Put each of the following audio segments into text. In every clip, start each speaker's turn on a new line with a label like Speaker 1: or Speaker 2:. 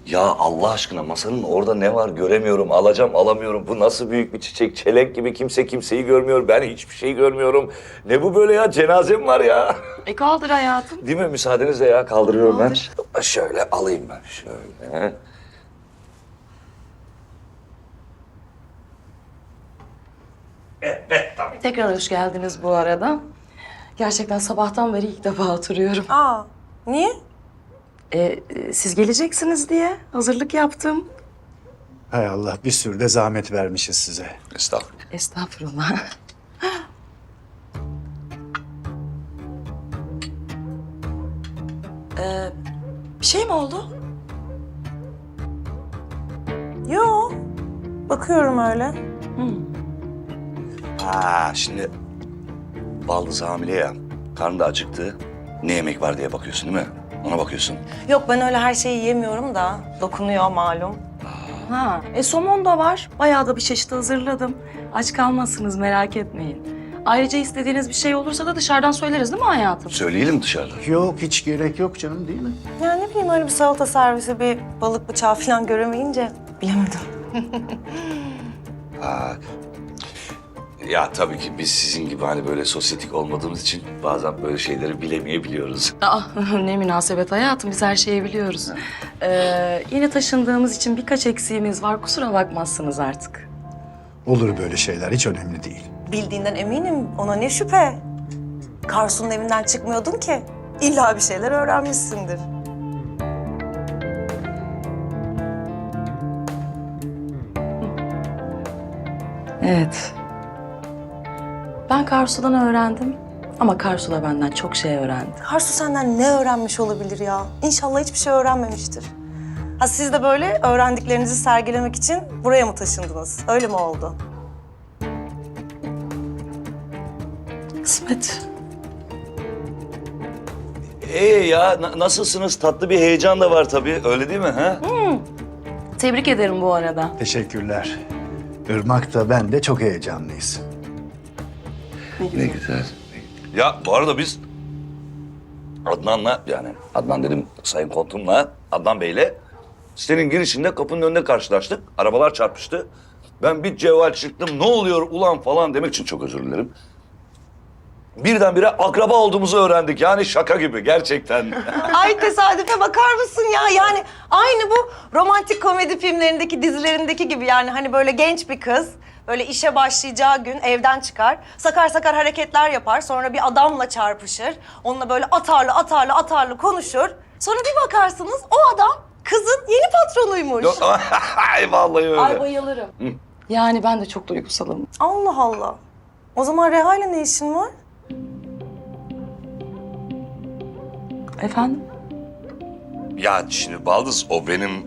Speaker 1: Ya Allah aşkına masanın orada ne var göremiyorum, alacağım alamıyorum. Bu nasıl büyük bir çiçek, çelenk gibi kimse kimseyi görmüyor. Ben hiçbir şey görmüyorum. Ne bu böyle ya, cenazem var ya.
Speaker 2: Kaldır hayatım.
Speaker 1: Değil mi? Müsaadenizle ya, kaldırıyorum
Speaker 2: Kaldır.
Speaker 1: ben. Şöyle alayım ben, şöyle. Evet, tabii.
Speaker 2: Tekrar hoş geldiniz bu arada. Gerçekten sabahtan beri ilk defa oturuyorum.
Speaker 3: Aa, niye?
Speaker 2: Siz geleceksiniz diye hazırlık yaptım.
Speaker 4: Hay Allah, bir sürü de zahmet vermişiz size.
Speaker 1: Estağfurullah.
Speaker 2: Estağfurullah. Bir şey mi oldu?
Speaker 3: Yo, bakıyorum öyle.
Speaker 1: Ha, şimdi baldız hamile ya, karnı da acıktı. Ne yemek var diye bakıyorsun değil mi? Ona bakıyorsun.
Speaker 3: Yok, ben öyle her şeyi yemiyorum da dokunuyor malum.
Speaker 2: Ha, somon da var. Bayağı da bir çeşit hazırladım. Aç kalmazsınız, merak etmeyin. Ayrıca istediğiniz bir şey olursa da dışarıdan söyleriz değil mi hayatım?
Speaker 1: Söyleyelim dışarıda.
Speaker 4: Yok, hiç gerek yok canım, değil mi?
Speaker 3: Ya ne bileyim, öyle bir salata servisi, bir balık bıçağı falan göremeyince bilemedim.
Speaker 1: Ha. Ya tabii ki biz sizin gibi hani böyle sosyetik olmadığımız için bazen böyle şeyleri bilemeyebiliyoruz.
Speaker 2: Aa, ne münasebet hayatım, biz her şeyi biliyoruz. Yeni taşındığımız için birkaç eksiğimiz var, kusura bakmazsınız artık.
Speaker 4: Olur böyle şeyler, hiç önemli değil.
Speaker 3: Bildiğinden eminim, ona ne şüphe. Karsu'nun evinden çıkmıyordun ki. İlla bir şeyler öğrenmişsindir.
Speaker 2: Evet. Ben Karsu'dan öğrendim ama Karsu da benden çok şey öğrendi.
Speaker 3: Karsu senden ne öğrenmiş olabilir ya? İnşallah hiçbir şey öğrenmemiştir. Ha, siz de böyle öğrendiklerinizi sergilemek için buraya mı taşındınız? Öyle mi oldu?
Speaker 2: Kısmet.
Speaker 1: Ya nasılsınız? Tatlı bir heyecan da var tabii. Öyle değil mi? Ha?
Speaker 2: Tebrik ederim bu arada.
Speaker 4: Teşekkürler. Irmak da ben de çok heyecanlıyız.
Speaker 1: Ne güzel. Ya bu arada biz Adnan'la, yani Adnan dedim Sayın Kontum'la, Adnan Bey'le sitenin girişinde kapının önünde karşılaştık. Arabalar çarpıştı. Ben bir cevval çıktım. Ne oluyor ulan falan demek için çok özür dilerim. Birdenbire akraba olduğumuzu öğrendik. Yani şaka gibi gerçekten.
Speaker 3: Ay, tesadüfe bakar mısın ya? Yani aynı bu romantik komedi filmlerindeki, dizilerindeki gibi yani. Hani böyle genç bir kız, böyle işe başlayacağı gün evden çıkar. Sakar sakar hareketler yapar. Sonra bir adamla çarpışır. Onunla böyle atarlı konuşur. Sonra bir bakarsınız o adam kızın yeni patronuymuş.
Speaker 1: Ay vallahi öyle.
Speaker 2: Ay bayılırım. Yani ben de çok duygusalım.
Speaker 3: Allah Allah. O zaman Reha ile ne işin var?
Speaker 2: Efendim?
Speaker 1: Ya şimdi Baldız o benim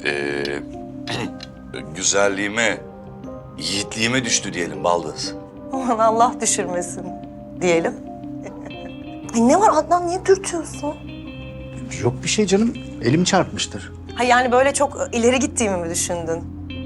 Speaker 1: güzelliğime, yiğitliğime düştü diyelim Baldız.
Speaker 3: Aman Allah düşürmesin diyelim. Ay ne var Adnan, niye dürtüyorsun?
Speaker 4: Yok bir şey canım, elim çarpmıştır.
Speaker 3: Ha yani böyle çok ileri gittiğimi mi düşündün?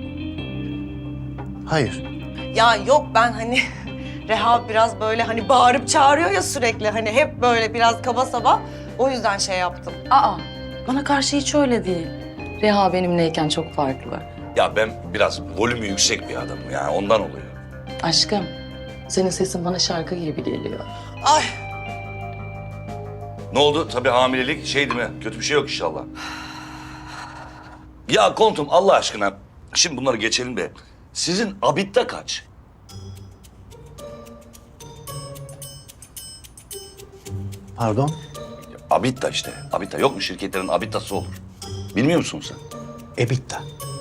Speaker 4: Hayır.
Speaker 3: Ya yok, ben hani Reha biraz böyle hani bağırıp çağırıyor ya sürekli. Hani hep böyle biraz kaba saba. O yüzden şey yaptım.
Speaker 2: Aa, bana karşı hiç öyle değil. Reha benimleyken çok farklı.
Speaker 1: Ya ben biraz volümü yüksek bir adamım yani ondan oluyor.
Speaker 2: Aşkım, senin sesin bana şarkı gibi geliyor.
Speaker 3: Ay
Speaker 1: Ne oldu? Tabii hamilelik şey değil mi? Kötü bir şey yok inşallah. Ya Kontum Allah aşkına şimdi bunları geçelim de sizin abitta kaç?
Speaker 4: Pardon?
Speaker 1: Abitta işte. Abitta yok mu, şirketlerin abittası olur. Bilmiyor musun sen?
Speaker 4: EBITDA.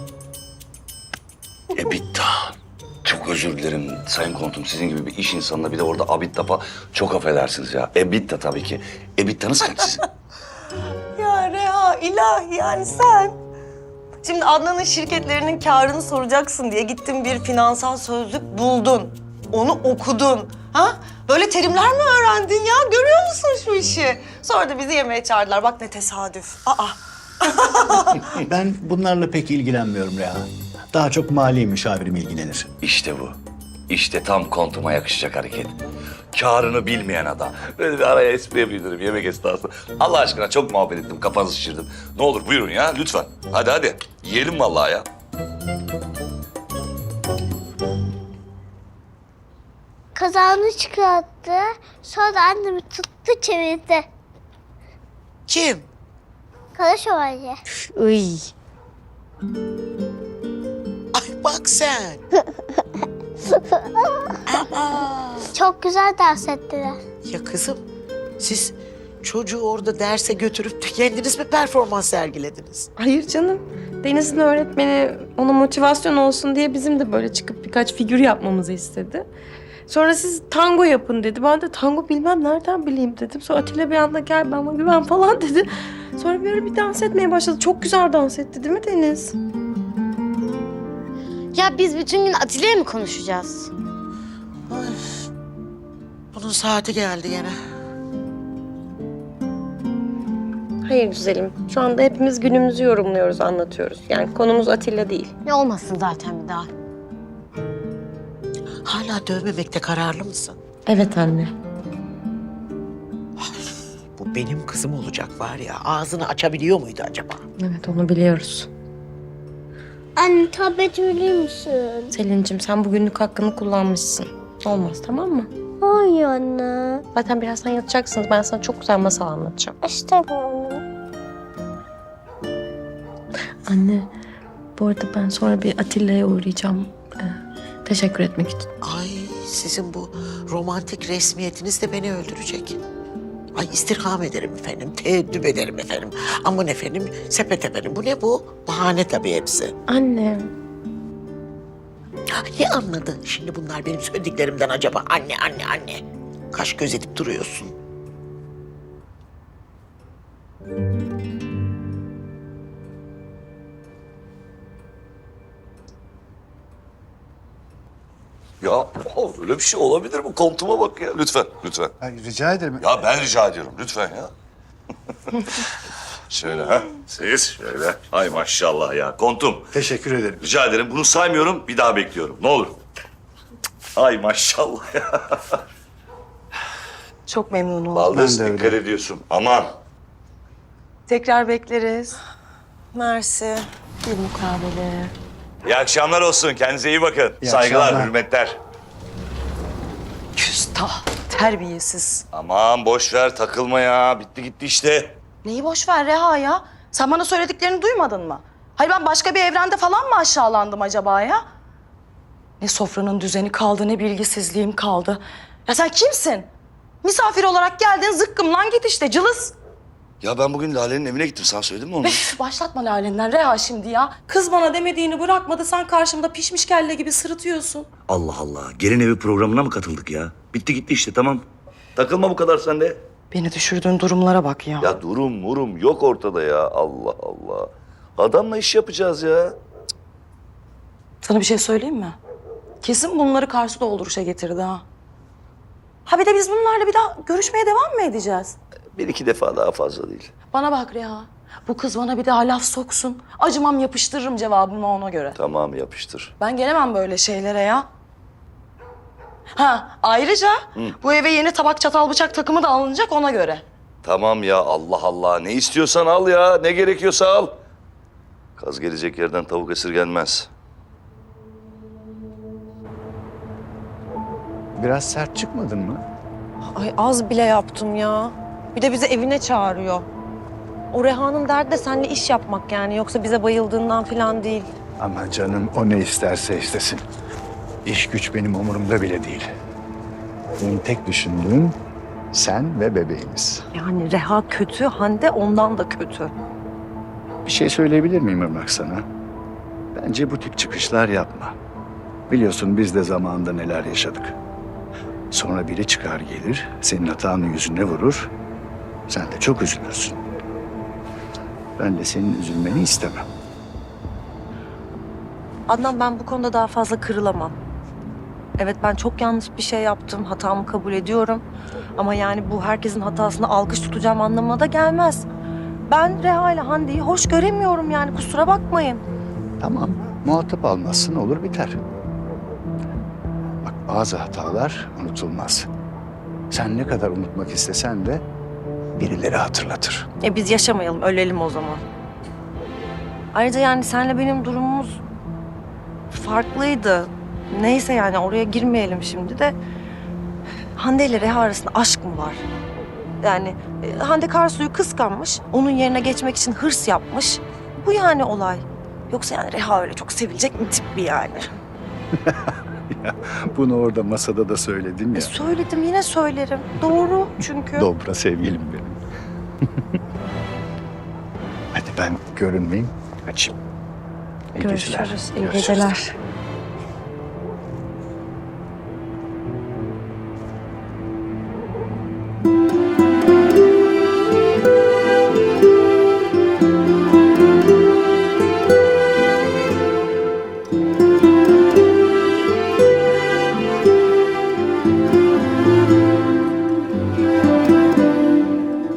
Speaker 1: Ebitta. Çok özür dilerim Sayın Kontum. Sizin gibi bir iş insanına bir de orada abitta falan. Çok affedersiniz ya. Ebitta tabii ki. Ebittanız kaç sizin?
Speaker 3: ya Reha, ilahi yani sen. Şimdi Adnan'ın şirketlerinin karını soracaksın diye gittin bir finansal sözlük buldun. Onu okudun. Ha? Böyle terimler mi öğrendin ya? Görüyor musun şu işi? Sonra da bizi yemeğe çağırdılar. Bak ne tesadüf. Aa.
Speaker 4: Ben bunlarla pek ilgilenmiyorum Reha. Daha çok mali müşavirim ilgilenir.
Speaker 1: İşte bu. İşte tam kontuma yakışacak hareket. Kârını bilmeyen adam. Böyle bir araya espri yapayım dedim yemek esnasında. Allah aşkına çok muhabbet ettim, kafanızı şişirdim. Ne olur buyurun ya lütfen. Hadi hadi. Yiyelim vallahi ya.
Speaker 5: Kazağını çıkarttı. Sonra annemi tuttu çevirdi.
Speaker 6: Kim?
Speaker 5: Kara şövalye.
Speaker 6: Iy. Ay bak sen.
Speaker 5: Çok güzel dans ettiler.
Speaker 6: Ya kızım siz çocuğu orada derse götürüp de kendiniz mi performans sergilediniz?
Speaker 7: Hayır canım. Deniz'in öğretmeni ona motivasyon olsun diye bizim de böyle çıkıp birkaç figür yapmamızı istedi. Sonra siz tango yapın dedi. Ben de tango bilmem nereden bileyim dedim. Sonra Atilla bir anda gel bana güven falan dedi. Sonra böyle bir dans etmeye başladı. Çok güzel dans etti değil mi Deniz?
Speaker 5: Ya biz bütün gün Atilla'ya mı konuşacağız?
Speaker 6: Ay, bunun saati geldi gene.
Speaker 7: Hayır güzelim. Şu anda hepimiz günümüzü yorumluyoruz, anlatıyoruz. Yani konumuz Atilla değil.
Speaker 5: Ne olmasın zaten bir daha.
Speaker 6: Hala dövmemekte kararlı mısın?
Speaker 7: Evet anne.
Speaker 6: Bu benim kızım olacak var ya. Ağzını açabiliyor muydu acaba?
Speaker 7: Evet onu biliyoruz.
Speaker 5: Anne tablet verir misin?
Speaker 7: Selin'cim sen bugünlük hakkını kullanmışsın. Olmaz tamam mı?
Speaker 5: Hayır anne.
Speaker 7: Zaten birazdan yatacaksınız. Ben sana çok güzel masal anlatacağım.
Speaker 5: İstemiyorum.
Speaker 7: Anne, bu arada ben sonra bir Atilla'ya uğrayacağım. Teşekkür etmek için.
Speaker 6: Ay sizin bu romantik resmiyetiniz de beni öldürecek. Ay istirham ederim efendim, teeddüp ederim efendim. Aman efendim, sepet efendim. Bu ne bu? Bahane tabii hepsi.
Speaker 7: Anne,
Speaker 6: Ne anladı şimdi bunlar benim söylediklerimden acaba? Anne, anne, anne. Kaş göz edip duruyorsun.
Speaker 1: Ya öyle bir şey olabilir mi? Kontuma bak ya. Lütfen, lütfen.
Speaker 4: Ay, rica ederim.
Speaker 1: Ya ben rica ediyorum. Lütfen ya. Şöyle ha. Siz şöyle. Ay maşallah ya. Kontum.
Speaker 4: Teşekkür ederim.
Speaker 1: Rica ederim. Bunu saymıyorum. Bir daha bekliyorum. Ne olur. Ay maşallah ya.
Speaker 2: Çok memnun oldum.
Speaker 1: Baldız
Speaker 4: Ben de öyle.
Speaker 1: dikkat ediyorsun. Aman.
Speaker 2: Tekrar bekleriz.
Speaker 3: Mersi.
Speaker 2: Bir mukabele.
Speaker 1: İyi akşamlar olsun. Kendinize iyi bakın.
Speaker 4: İyi
Speaker 1: Saygılar,
Speaker 4: akşamlar.
Speaker 1: hürmetler.
Speaker 2: Küstah, terbiyesiz.
Speaker 1: Aman boş ver. Takılma ya. Bitti gitti işte.
Speaker 2: Neyi boş ver Reha ya? Sen bana söylediklerini duymadın mı? Hayır ben başka bir evrende falan mı aşağılandım acaba ya? Ne sofranın düzeni kaldı ne bilgisizliğim kaldı. Ya sen kimsin? Misafir olarak geldin zıkkımlan git işte cılız.
Speaker 1: Ya ben bugün Lale'nin evine gittim. Sana söyledim mi onu?
Speaker 2: Üf, başlatma Lale'nden Reha şimdi ya. Kız bana demediğini bırakmadı sen karşımda pişmiş kelle gibi sırıtıyorsun.
Speaker 1: Allah Allah. Gelin evi programına mı katıldık ya? Bitti gitti işte tamam. Takılma bu kadar sen de.
Speaker 2: Beni düşürdüğün durumlara bak ya.
Speaker 1: Ya durum yok ortada ya. Allah Allah. Adamla iş yapacağız ya.
Speaker 2: Sana bir şey söyleyeyim mi? Kesin bunları karşı dolduruşa getirdi ha. Ha bir de biz bunlarla bir daha görüşmeye devam mı edeceğiz?
Speaker 1: Bir iki defa daha fazla değil.
Speaker 2: Bana bak Reha. Bu kız bana bir daha laf soksun. Acımam yapıştırırım cevabımı ona göre.
Speaker 1: Tamam yapıştır.
Speaker 2: Ben gelemem böyle şeylere ya. Ha ayrıca bu eve yeni tabak çatal bıçak takımı da alınacak ona göre.
Speaker 1: Tamam ya Allah Allah. Ne istiyorsan al ya. Ne gerekiyorsa al. Kaz gelecek yerden tavuk esirgenmez.
Speaker 4: Biraz sert çıkmadın mı?
Speaker 3: Ay az bile yaptım ya. Bir de bizi evine çağırıyor. O Reha'nın derdi de seninle iş yapmak yani. Yoksa bize bayıldığından falan değil.
Speaker 4: Ama canım o ne isterse istesin. İş güç benim umurumda bile değil. Benim tek düşündüğüm sen ve bebeğimiz.
Speaker 3: Yani Reha kötü, Hande ondan da kötü.
Speaker 4: Bir şey söyleyebilir miyim Irmak sana? Bence bu tip çıkışlar yapma. Biliyorsun biz de zamanında neler yaşadık. Sonra biri çıkar gelir, senin hatanın yüzüne vurur. Sen de çok üzülürsün. Ben de senin üzülmeni istemem.
Speaker 3: Adnan ben bu konuda daha fazla kırılamam. Evet ben çok yanlış bir şey yaptım. Hatamı kabul ediyorum. Ama yani bu herkesin hatasını alkış tutacağım anlamına da gelmez. Ben Reha ile Hande'yi hoş göremiyorum yani kusura bakmayın.
Speaker 4: Tamam, muhatap almazsın olur biter. Bak bazı hatalar unutulmaz. Sen ne kadar unutmak istesen de birileri hatırlatır.
Speaker 3: Biz yaşamayalım, ölelim o zaman. Ayrıca yani senle benim durumumuz farklıydı. Neyse yani oraya girmeyelim şimdi de. Hande ile Reha arasında aşk mı var? Yani Hande Karsu'yu kıskanmış, onun yerine geçmek için hırs yapmış. Bu yani olay. Yoksa yani Reha öyle çok sevilecek mi tip bir yani?
Speaker 4: Bunu orada masada da söyledin ya.
Speaker 3: Söyledim, yine söylerim. Doğru çünkü.
Speaker 4: Dobra sevgilim benim. Hadi ben görünmeyeyim, kaçayım. İyi geceler.
Speaker 7: Görüşürüz. İyi geceler.